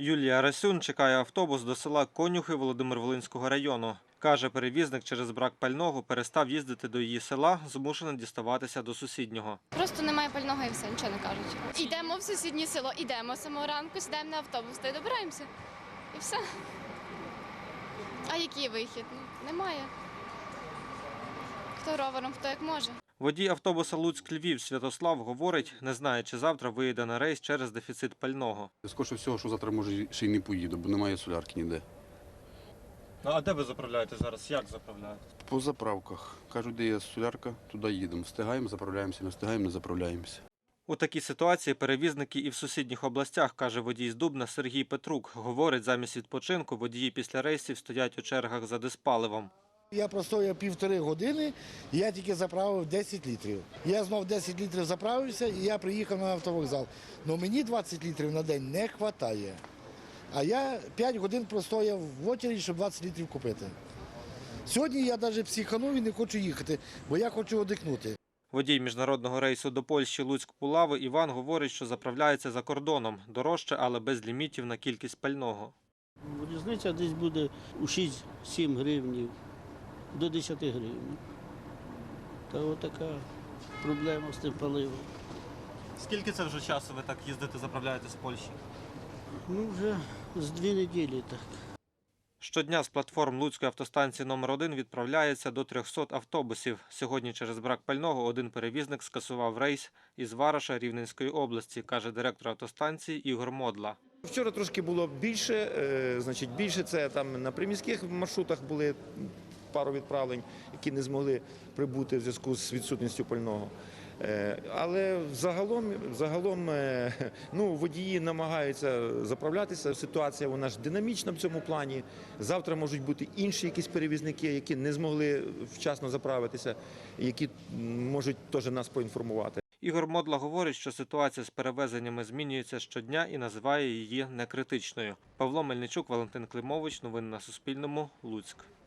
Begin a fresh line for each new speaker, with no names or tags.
Юлія Расюн чекає автобус до села Конюхи Володимир-Волинського району. Каже, перевізник через брак пального перестав їздити до її села, змушений діставатися до сусіднього.
Просто немає пального і все, нічого не кажуть. Йдемо в сусіднє село, йдемо з самого ранку, сідаємо на автобус та й добираємося. І все. А який вихід? Немає. Хто ровером, хто як може.
Водій автобуса Луцьк-Львів Святослав говорить, не знає, чи завтра виїде на рейс через дефіцит пального.
Скоріше всього, що завтра, може, ще й не поїду, бо немає солярки ніде.
А де ви заправляєте зараз? Як заправляєте?
По заправках. Кажуть, де є солярка, туди їдемо. Встигаємо, заправляємося, не встигаємо, не заправляємося.
У такій ситуації перевізники і в сусідніх областях, каже водій з Дубна Сергій Петрук. Говорить, замість відпочинку водії після рейсів стоять у чергах за диспаливом.
Я простояв 1,5 години, і я тільки заправив 10 літрів. Я знов 10 літрів заправився і я приїхав на автовокзал. Але мені 20 літрів на день не вистачає. А я 5 годин простояв в очереді, щоб 20 літрів купити. Сьогодні я навіть психанув і не хочу їхати, бо я хочу віддихнути.
Водій міжнародного рейсу до Польщі Луцьк-Пулави Іван говорить, що заправляється за кордоном. Дорожче, але без лімітів на кількість пального.
Різниця десь буде у 6-7 гривнів, до 10 гривень. Та отака проблема з тим паливом.
Скільки це вже часу ви так їздите, заправляєте з Польщі?
Ну, вже з 2 неділі так.
Щодня з платформ Луцької автостанції номер 1 відправляється до 300 автобусів. Сьогодні через брак пального один перевізник скасував рейс із Вараша Рівненської області, каже директор автостанції Ігор Модла.
Вчора трошки було більше це там на приміських маршрутах були пару відправлень, які не змогли прибути в зв'язку з відсутністю пального. Але загалом водії намагаються заправлятися. Ситуація вона ж динамічна в цьому плані. Завтра можуть бути інші якісь перевізники, які не змогли вчасно заправитися, які можуть теж нас поінформувати.
Ігор Модла говорить, що ситуація з перевезеннями змінюється щодня і називає її некритичною. Павло Мельничук, Валентин Климович. Новини на Суспільному. Луцьк.